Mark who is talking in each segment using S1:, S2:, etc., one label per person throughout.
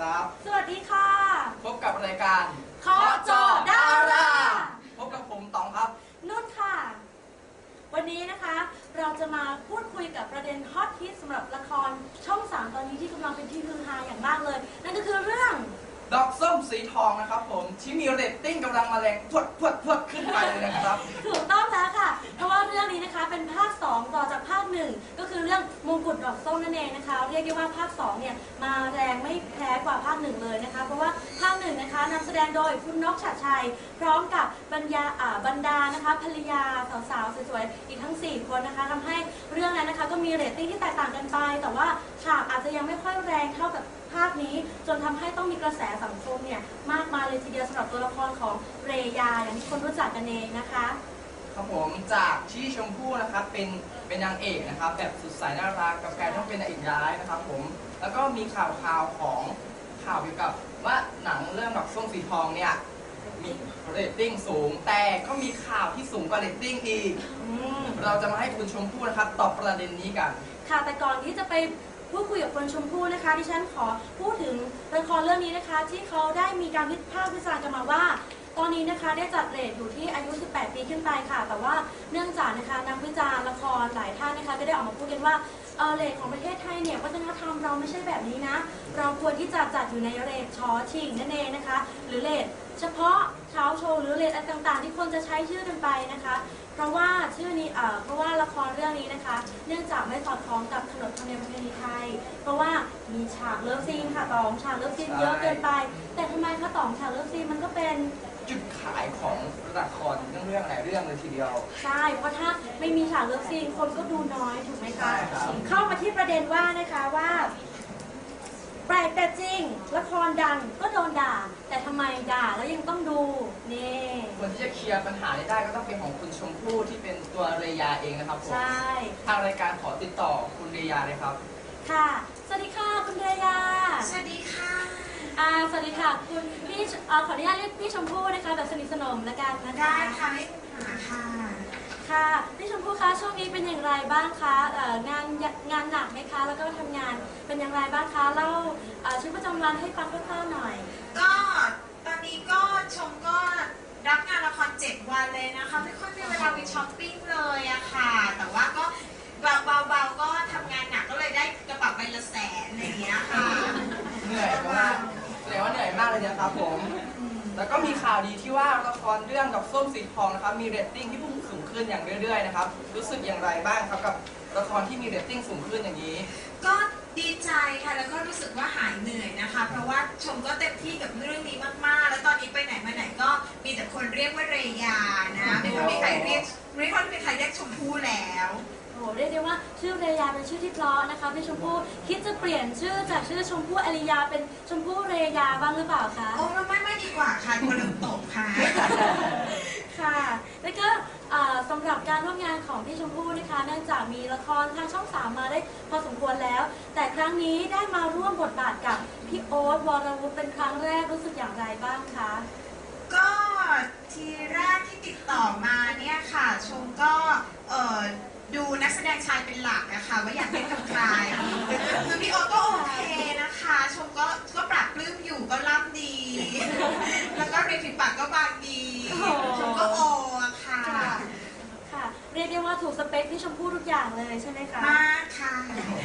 S1: ครับ
S2: สวัสดีค่ะ
S1: พบกับรายการ
S2: ขอจอดารา
S1: พบกับผมต๋องครับ
S2: นุ่นค่ะวันนี้นะคะเราจะมาพูดคุยกับประเด็นฮอตฮิตสำหรับละครช่อง 3ตอนนี้ที่กำลังเป็นที่ฮือฮาอย่างมากเลยนั่นก็คือเรื่อง
S1: ดอกส้มสีทองนะครับผมที่มีเรตติ้งกำลังมาแรงพวดขึ้นไปเลยนะครับ
S2: ถูกต้องแล้วค่ะเพราะว่าเรื่องนี้นะคะเป็นภาค2ต่อจากภาค1ก็คือเรื่องมงกุฎดอกส้มนั่นเองนะคะเรียกได้ว่าภาค2เนี่ยมาแรงไม่แพ้กว่าภาค1เลยนะคะเพราะว่าภาค1นะคะนำแสดงโดยคุณนกชัดชัยพร้อมกับบรรดานะคะภรรยาสาวๆสวยๆอีกทั้ง4คนนะคะทำให้เรื่องนั้นนะคะก็มีเรตติ้งที่แตกต่างกันไปแต่ว่าฉากอาจจะยังไม่ค่อยแรงเท่ากับภาคนี้จนทำให้ต้องมีกระแสสังคมเนี่ยมากมายเลยทีเดียวสำหรับตัวละครของเรยาอย่างที่คนรู้จักกันเองนะคะ
S1: ครับผมจากที่ชมพู่นะครับเป็นนางเอกนะครับแบบสุดสายน่ารักกับการต้องเป็นนางเอกร้ายนะครับผมแล้วก็มีข่าวของข่าวเกี่ยวกับว่าหนังเรื่องดอกส้มสีทองเนี่ยมีเรตติ้งสูงแต่ก็มีข่าวที่สูงกว่าเรตติ้งอีกเราจะมาให้คุณชมพู่นะครับตอบประเด็นนี้กัน
S2: ค่ะแต่ก่อนที่จะไปพูดคุยกับคุณชมพู่นะคะดิฉันขอพูดถึงละครเรื่องนี้นะคะที่เขาได้มีการวิพากษ์วิจารณ์กันมาว่าตอนนี้นะคะได้จัดเรทอยู่ที่อายุ 18 ปีขึ้นไปค่ะแต่ว่าเนื่องจากนะคะนักวิจารณ์ละครหลายท่านนะคะก็ได้ออกมาพูดกันว่าเรทของประเทศไทยเนี่ยวัฒนธรรมเราไม่ใช่แบบนี้นะเราควรที่จะจัดอยู่ในเรทชอชิงนั่นเองนะคะหรือเรทเฉพาะเช้าโชว์หรือเรทอะไรต่างๆที่คนจะใช้ชื่อกันไปนะคะเพราะว่าชื่อนี้เพราะว่าละครเรื่องนี้นะคะเนื่องจากไม่สอดคล้องกับขนบธรรมเนียมประเพณีไทยเพราะว่ามีฉากเลิฟซีนค่ะตองฉากเลิฟซีนเยอะเกินไปแต่ทำไมคะตองฉากเลิฟซีนมันก็เป็น
S1: จุดขายของละครเรื่องหลายเรื่องเลยทีเดียว
S2: ใช่เพราะถ้าไม่มีฉากเลิฟซีนคนก็ดูน้อยถูกไหมคะเข้ามาที่ประเด็นว่านะคะว่าแปลกแต่จริงละครดังก็โดนด่าแต่ทำไมด่าแล้วยังต้องดูนี่
S1: คนที่จะเคลียร์ปัญหาได้ก็ต้องเป็นของคุณชมพู่ที่เป็นตัวเรยาเองนะครับผม
S2: ใช่
S1: ทางรายการขอติดต่อคุณเรยาเลยครับ
S2: ค่ะสวัสดีค่ะคุณเรยา
S3: สวัสดีค่ะ
S2: สวัสดีค่ะคุณพี่ขออนุญาตเรียกพี่ชมพู่นะคะแบบสนิทสนมละกันนะคะ
S3: ได้ค่ะไม่มีปัญหาค่ะ
S2: ค่ะพี่ชมพู่คะช่วงนี้เป็นอย่างไรบ้างคะงานหนักไหมคะแล้วก็ทำงานเป็นอย่างไรบ้างคะเล่าชีวิตประจำวันให้ฟังคร่าวๆหน่อย
S3: ก็ตอนนี้ก็ชมก็รับงานละคร7 วันเลยนะคะไม่ค่อยมีเวลาไปช้อปปิ้งเลยอะค่ะแต่ว่าก็เบาๆก็ทำงานหนักก็เลยได้กระเป๋าใบละ100,000อะไรอย่างเงี้ยค่ะ
S1: เหนื่อยมากแสดงว่าเหนื่อยมากเลยนะครับผมแล้วก็มีข่าวดีที่ว่าละครเรื่องดอกส้มสีทองนะครับมีเรตติ้งที่พุ่งสูงขึ้นอย่างเรื่อยๆนะครับรู้สึกอย่างไรบ้างครับกับละครที่มีเรตติ้งสูงขึ้นอย่างนี้
S3: ก็ดีใจค่ะแล้วก็รู้สึกว่าหายเหนื่อยนะคะเพราะว่าชมก็เต็มที่กับเรื่องนี้มากๆแล้วตอนนี้ไปไหนมาไหนก็มีแต่คนเรียกว่าเรยานะไม่ค่อยมีใครเรียกชมพู่แล้ว
S2: โอ้เรียกได้ว่าชื่อเรยาเป็นชื่อที่เพราะนะคะพี่ชมพู่คิดจะเปลี่ยนชื่อจากชื่อชมพู่อริยาเป็นชมพู่เรยาบ้างหรือเปล่าคะ
S3: โอ้ไม่ดีกว่าค่ะคนลืมตกค่ะ
S2: ค่ะแล้วก็สำหรับการร่วมงานของพี่ชมพู่นะคะเนื่องจากมีละครทางช่อง3มาได้พอสมควรแล้วแต่ครั้งนี้ได้มาร่วมบทบาทกับพี่โอ๊ตวรวุฒิเป็นครั้งแรกรู้สึกอย่างไรบ้างคะ
S3: ก็ทีแรกที่ติดต่อมาเนี่ยค่ะชมก็ดูนักแสดงชายเป็นหลักนะคะว่าอยากเล่นกับใครคือพี่โอ๊ตก็โอเคนะคะชมก็ปรับปลื้มอยู่ก็ล่ำดีแล้วก็ริมฝีปากก็บางดีชมก็โอค่ะ
S2: ค่ะเรียกได้ว่าถูกสเปคที่ชมพู่ทุกอย่างเลยใช่ไหมคะ
S3: มากค่ะ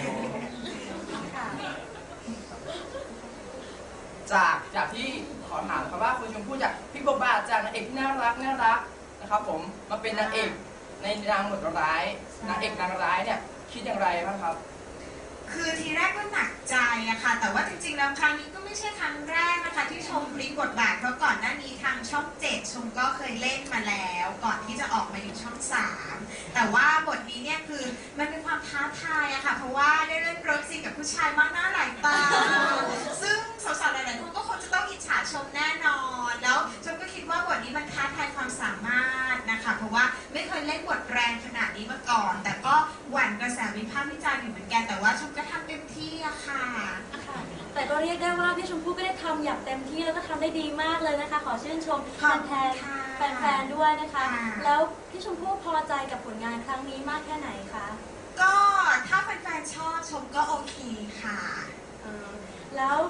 S1: จากที่ขอถามครับว่าคุณชมพู่จากพี่บทบาทจากนางเอกที่น่ารักนะครับผมมาเป็นนางเอกในนางบทร้ายนางเอกนางร้ายเนี่ยคิดอย่างไรบ้างครับ
S3: คือทีแรกก็หนักใจอะค่ะแต่ว่าจริงๆแล้วครั้งนี้ก็ไม่ใช่ครั้งแรกนะคะที่ชมพลิกบทบาทเพราะก่อนหน้านี้ทางช่อง7ชมก็เคยเล่นมาแล้วก่อนที่จะออกมาอยู่ช่อง3แต่ว่าบทนี้เนี่ยคือมันเป็นความท้าทายอะค่ะเพราะว่าได้เล่นรถซีกับผู้ชายมากหน้าหลายตาซึ่งสาวๆหลายๆคนก็คงจะต้องอิจฉาชมแน่นอนแล้วชมก็คิดว่าบทนี้มันท้าทายความสามารถนะคะเพราะว่าไม่เคยเล่นบทแรงขนาดนี้มาก่อนแต่ก็หวั่นกระแสวิพากษ์วิจารณ์อยู่เหมือนกันแต่ว่าชมก็ทำเต็มที่อะค่ะ
S2: แต่ก็เรียกได้ว่าพี่ชมพู่ก็ได้ทำอย่างเต็มที่แล้วก็ทำได้ดีมากเลยนะคะขอชื่นชมแฟนๆด้วยนะคะแล้วพี่ชมพู่พอใจกับผลงานครั้งนี้มากแค่ไหนคะ
S3: ก็ถ้าแฟนๆชอบชมก็โอเคค่ะ
S2: แล้ว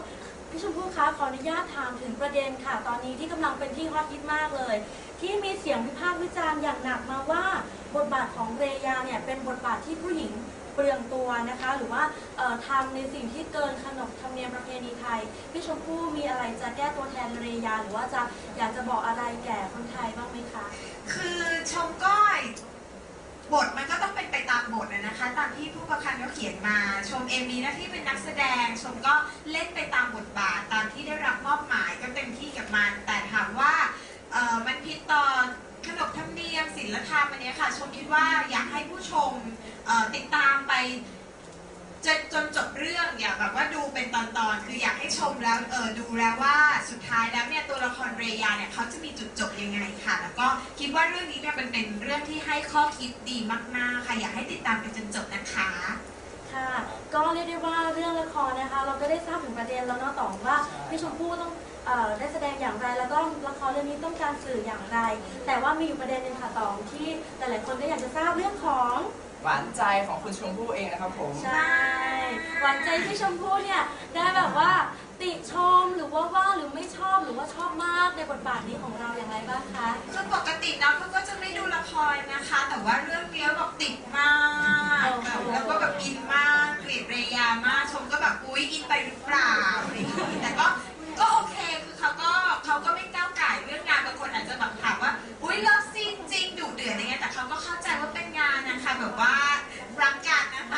S2: พี่ชมพู่คะขออนุญาตถามถึงประเด็นค่ะ ตอนนี้ที่กำลังเป็นที่ฮอตฮิตมากเลย ที่มีเสียงวิพากษ์วิจารณ์อย่างหนักมาว่าบทบาทของเรยาเนี่ยเป็นบทบาทที่ผู้หญิงเปลืองตัวนะคะ หรือว่าทำในสิ่งที่เกินขนบธรรมเนียมประเพณีไทยพี่ชมพู่มีอะไรจะแก้ตัวแทนเรยาหรือว่าจะอยากจะบอกอะไรแก่คนไทยบ้างไหมคะ
S3: คือชมก็บทมันก็ต้องเป็นไปตามบทนะคะตามที่ผู้ประพันธ์เขาเขียนมาชมเองมีหน้าที่เป็นนักแสดงชมก็เล่นไปตามบทบาทตามที่ได้รับมอบหมายก็เต็มที่กับมันแต่ถามว่ามันผิดต่อขนบธรรมเนียมศีลธรรมอันนี้ค่ะชมคิดว่าอยากให้ผู้ชมติดตามไปจนจบเรื่องอย่าแบบว่าดูเป็นตอนๆคืออยากให้ชมแล้วดูแล้วว่าสุดท้ายแล้วเนี่ยตัวละครเรยาเนี่ยเขาจะมีจุดจบยังไงค่ะแล้วก็คิดว่าเรื่องนี้เนี่ยเป็นเรื่องที่ให้ข้อคิดดีมากๆค่ะอยากให้ติดตามไปจนจบนะคะ
S2: ค่ะ ก็เรียกได้ว่าเรื่องละครนะคะ เราก็ได้ทราบถึงประเด็นแล้วเนาะต่อว่าพี่ชมพู่ต้องได้แสดงอย่างไร แล้วก็ละครเรื่องนี้ต้องการสื่ออย่างไร แต่ว่ามีอยู่ประเด็นหนึ่งค่ะต่อที่หลายๆคนก็อยากจะทราบเรื่องของ
S1: หวานใจของคุณชมพู่เองนะครับผม
S2: ใช่หวานใจพี่ชมพู่เนี่ยได้แบบว่าติชมหรือว่าหรือไม่ชอบหรือว่าชอบมากในบทบาทนี้ของเราอย่างไรบ้างคะ
S3: คือปกติน้องเขาก็จะไม่ดูละครนะคะ แต่ว่าเรื่องนี้แบบติดมากแบบแล้วก็แบบอินมากเกลียดเรยามากชมก็แบบอุ๊ยอินไปหรือเปล่าอะไรอย่างนี้แต่ก็โอเคคือเขาก็ไม่ก้าวไก่เรื่องงานบางคนอาจจะแบบถามว่าอุ๊ยเลิฟซีนจริงดุเดือดอะไรเงี้ยแต่เขาก็เข้าใจว่าเป็นงานนะคะแบบว่ารักกันนะคะ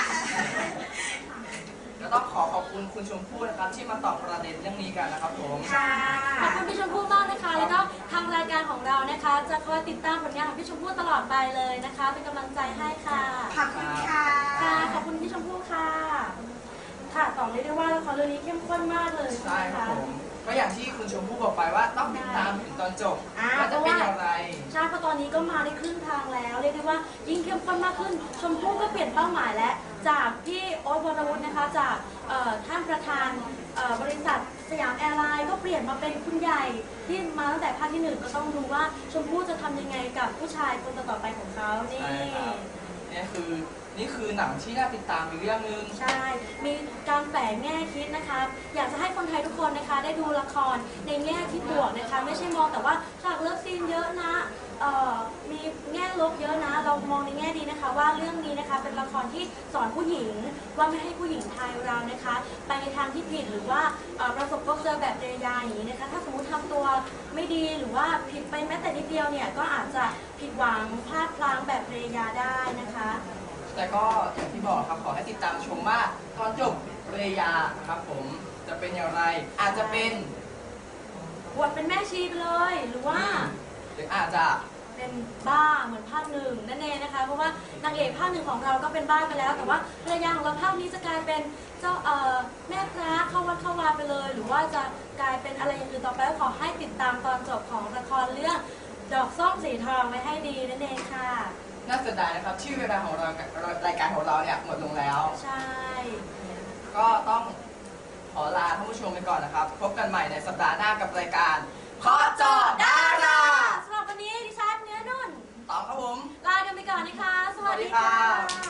S1: ก็ต้องขอบคุณคุณชมพู่นะครับที่มาตอบประเด็นเรื่องนี้กันนะครับผม
S3: ค่ะ
S2: ขอบคุณพี่ชมพู่มากนะคะ แล้วก็ทางรายการของเรานะคะ จะคอยติดตามผลงานของพี่ชมพู่ตลอดไปเลยนะคะ เป็นกำลังใจให้ค่ะ
S3: ขอบคุณค่ะ
S2: ค่ะ ขอบคุณพี่ชมพู่ค่ะ ค่ะต่อเรียกได้ว่าละครเรื่องนี้เข้มข้นมากเลย
S1: ใช่
S2: ใช่ไหม
S1: ครับ
S2: คะ
S1: ผมก็อย่างที่คุณชมพู่บอกไปว่าต้องติดตามถึงตอนจบว่าจะเป็นอย่างไร
S2: ใช่เพราะตอนนี้ก็มาได้ครึ่งทางแล้ว เรียกได้ว่ายิ่งเข้มข้นมากขึ้น ชมพู่ก็เปลี่ยนเป้าหมายแล้ว จากพี่โอ๊ตวรวุฒินะคะ จากท่านประธานบริษัทสยามแอร์ไลน์ก็เปลี่ยนมาเป็นคุณใหญ่ที่มาตั้งแต่ภาคที่หนึ่งก็ต้องดูว่าชมพู่จะทำยังไงกับผู้ชายคนต่อๆไปของเขานี่
S1: ใช่ครับ นี่คือหนังที่น่าติดตามอีกเรื่องหนึง
S2: ใช่ มีการแฝงแง่คิดนะคะ อยากจะให้คนไทยทุกคนนะคะ ได้ดูละครในแง่ที่บวกนะคะ ไม่ใช่มองแต่ว่าฉากเลิฟซีนเยอะนะมีแง่ลบเยอะนะ เรามองในแง่ดีนะคะ ว่าเรื่องนี้นะคะเป็นละครที่สอนผู้หญิงว่าไม่ให้ผู้หญิงไทยเรานะคะ ไปในทางที่ผิดหรือว่าประสบพบเจอแบบเรยาอย่างนี้นะคะ ถ้าสมมติทำตัวไม่ดีหรือว่าผิดไปแม้แต่นิดเดียวเนี่ยก็อาจจะผิดหวังพลาดพลั้งแบบเรยาได้นะคะ
S1: แต่ก็อย่างที่บอกครับขอให้ติดตามชมว่าตอนจบเรยาครับผมจะเป็นอย่างไรอาจจะเป็น
S2: บวชเป็นแม่ชีไปเลย หรือว่า
S1: หรืออาจจะ
S2: เป็นบ้าเหมือนภาคหนึ่งนั่นเองนะคะ เพราะว่านางเอกภาคหนึ่งของเราก็เป็นบ้าไปแล้ว แต่ว่าภรรยาของเราภาคนี้จะกลายเป็นเจ้าแม่พระเข้าวัดเข้าวาไปเลย หรือว่าจะกลายเป็นอะไรอย่างอื่นต่อไปก็ขอให้ติดตามตอนจบของละครเรื่องดอกส้มสีทองไว้ให้ดีนั่นเองค่ะ
S1: น่าเสียดายนะครับที่เวลาของเรารายการของเราเนี่ยหมดลงแล้ว
S2: ใช่
S1: ก็ต้องขอลาท่านผู้ชมไปก่อนนะครับ พบกันใหม่ในสัปดาห์หน้ากับรายการขอจอดารา
S2: สำหรับวันนี้ดิฉันเนื้อนุ่น
S1: ต่อครับผม
S2: ลากันไปก่อนนะคะ สวัสดี
S1: สวัสดีครั
S2: ค่ะ
S1: บ